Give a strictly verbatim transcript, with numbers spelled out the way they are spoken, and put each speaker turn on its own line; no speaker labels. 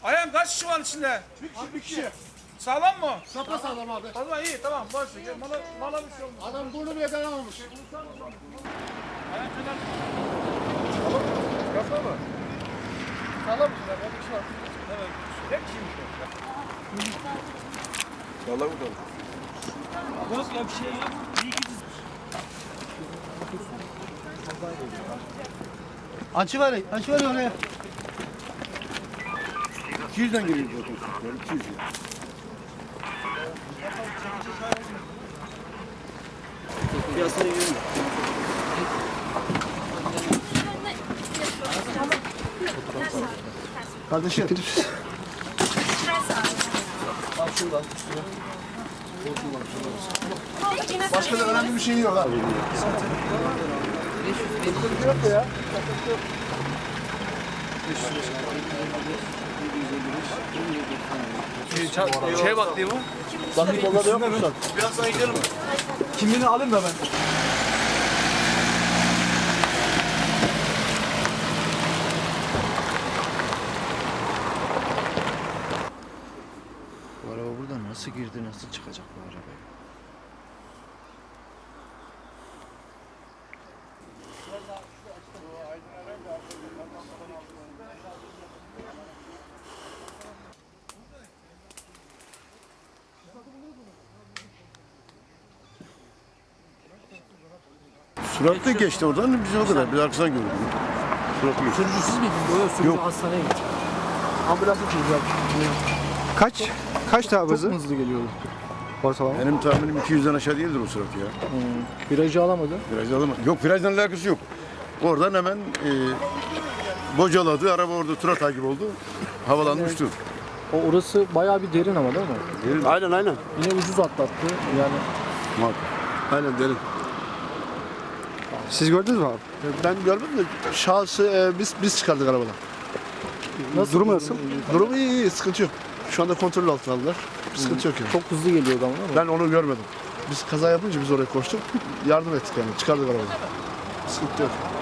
Ayhan kaç kişi var içinde?
Bir kişi, bir kişi.
Sağlam mı?
Sapa sağlam abi.
O zaman iyi tamam boş ver. Mala, mala bir şey olmaz.
Adam burnu bile dayanamamış.
Ayhan kadar. Kafa mı? Sağlam mı? Ben bir şey var. Evet. Tek kişiymiş o.
Sağlam mı kaldı?
Yok ya bir şey yok. İyi ki
Açı var, açı var oraya.
iki yüzden geliyor zaten. iki yüz ya. Piyasaya girelim.
Kardeşim.
Bak şuradan.
Başka da önemli bir şey yok abi. Yok ya.
Şey bak değil mi?
Bakın dolar yok mu?
Biraz sana gidelim mi?
Kimliğini alayım da ben.
Bu araba buradan nasıl girdi, nasıl çıkacak bu araba?
Suratlı geçti oradan biz o kadar. Biz arkasından gördük. Suratlı geçti.
Sürücüsüz miydin? Yok, sürücü
Yok.
hastaneye gitti. Ambulansa çocuklar.
Kaç? Kaç daha
Çok
hızı?
hızlı geliyordu. Ortalama.
Benim tahminim iki yüzden aşağı değildir o surat ya.
Virajı alamadı.
Virajda alamaz. Yok virajdan alakası yok. Oradan hemen e, bocaladı. Araba orada tura takip oldu. Havalandı uçtu.
O orası bayağı bir derin ama değil mi?
Aynen aynen.
Yine ucuz atlattı. Yani
Muhakkak.
Aynen derin.
Siz gördünüz mü abi?
Ben görmedim de şahsı e, biz biz çıkardık arabadan.
nasıl?
Durumu nasıl? Durumu iyi iyi sıkıntı yok. Şu anda kontrol altına aldılar. Bir sıkıntı yok yani.
Çok hızlı geliyordu ama değil mi?
Ben onu görmedim. Biz kaza yapınca biz oraya koştuk. Yardım ettik yani. Çıkardık arabadan. Sıkıntı yok.